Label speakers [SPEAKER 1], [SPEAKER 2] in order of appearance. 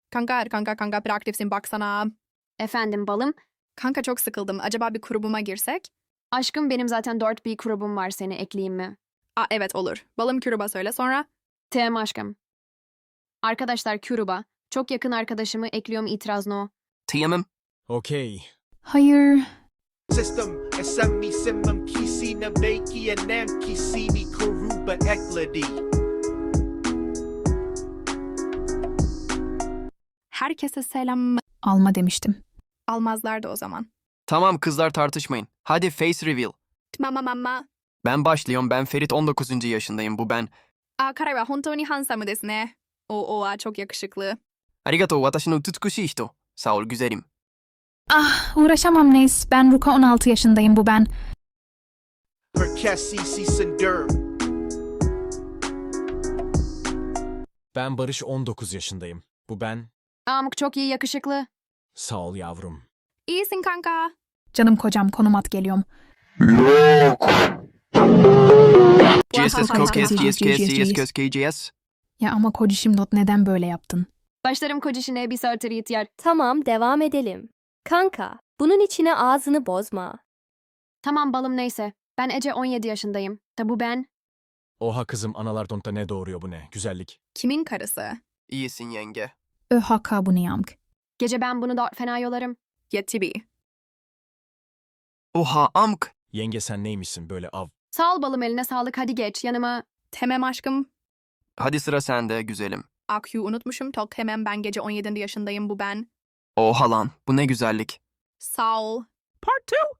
[SPEAKER 1] Kanka bir aktifsin baksana.
[SPEAKER 2] Efendim balım.
[SPEAKER 1] Kanka çok sıkıldım. Acaba bir grubuma girsek?
[SPEAKER 2] Aşkım benim zaten 4 bir grubum var, seni ekleyeyim mi?
[SPEAKER 1] Aa evet olur. Balım gruba söyle sonra.
[SPEAKER 2] TM aşkım. Arkadaşlar gruba. Çok yakın arkadaşımı ekliyorum, itiraz no.
[SPEAKER 3] TM'im.
[SPEAKER 4] Okey.
[SPEAKER 5] Hayır.
[SPEAKER 6] System SME Simum Kisina Baki and Nam Kisini Kuruba Ekladi.
[SPEAKER 1] Herkese selam.
[SPEAKER 5] Alma demiştim.
[SPEAKER 1] Almazlardı o zaman.
[SPEAKER 3] Tamam kızlar tartışmayın. Hadi face reveal.
[SPEAKER 1] Mama.
[SPEAKER 3] Ben başlıyorum. Ben Ferit 19. yaşındayım. Bu ben.
[SPEAKER 1] Karai wa hontou ni handsome desu ne. Çok yakışıklı.
[SPEAKER 3] Arigatou watashi no utsukushii hito. Sağ ol güzelim.
[SPEAKER 5] Ah, uğraşamam Neis. Ben Ruka 16 yaşındayım, bu ben.
[SPEAKER 6] Perkesi Sindur.
[SPEAKER 4] Ben Barış 19 yaşındayım. Bu ben.
[SPEAKER 2] Amk çok iyi, yakışıklı.
[SPEAKER 4] Sağ ol yavrum.
[SPEAKER 1] İyisin kanka.
[SPEAKER 5] Canım kocam, konum at, geliyorum.
[SPEAKER 3] GSS Kokes GSKS GSKS.
[SPEAKER 5] Ya ama kocişim not, neden böyle yaptın?
[SPEAKER 2] Başlarım kocişine bir sartır yityer.
[SPEAKER 7] Tamam, devam edelim. Kanka, bunun içine ağzını bozma.
[SPEAKER 2] Tamam balım, neyse. Ben Ece 17 yaşındayım. Da bu ben.
[SPEAKER 4] Oha kızım, analar donta ne doğuruyor bu ne? Güzellik.
[SPEAKER 1] Kimin karısı?
[SPEAKER 3] İyisin yenge.
[SPEAKER 5] Öhaka bu ne yamk?
[SPEAKER 2] Gece ben bunu da fena yolarım.
[SPEAKER 1] Yetibi.
[SPEAKER 3] Oha amk.
[SPEAKER 4] Yenge sen neymişsin böyle av?
[SPEAKER 2] Sağ ol balım, eline sağlık, hadi geç yanıma.
[SPEAKER 1] Temem aşkım.
[SPEAKER 3] Hadi sıra sende güzelim.
[SPEAKER 1] Akyu unutmuşum. Tok hemen ben gece 17 yaşındayım bu ben.
[SPEAKER 3] Oha lan. Bu ne güzellik.
[SPEAKER 1] Sağ ol.
[SPEAKER 3] Part 2.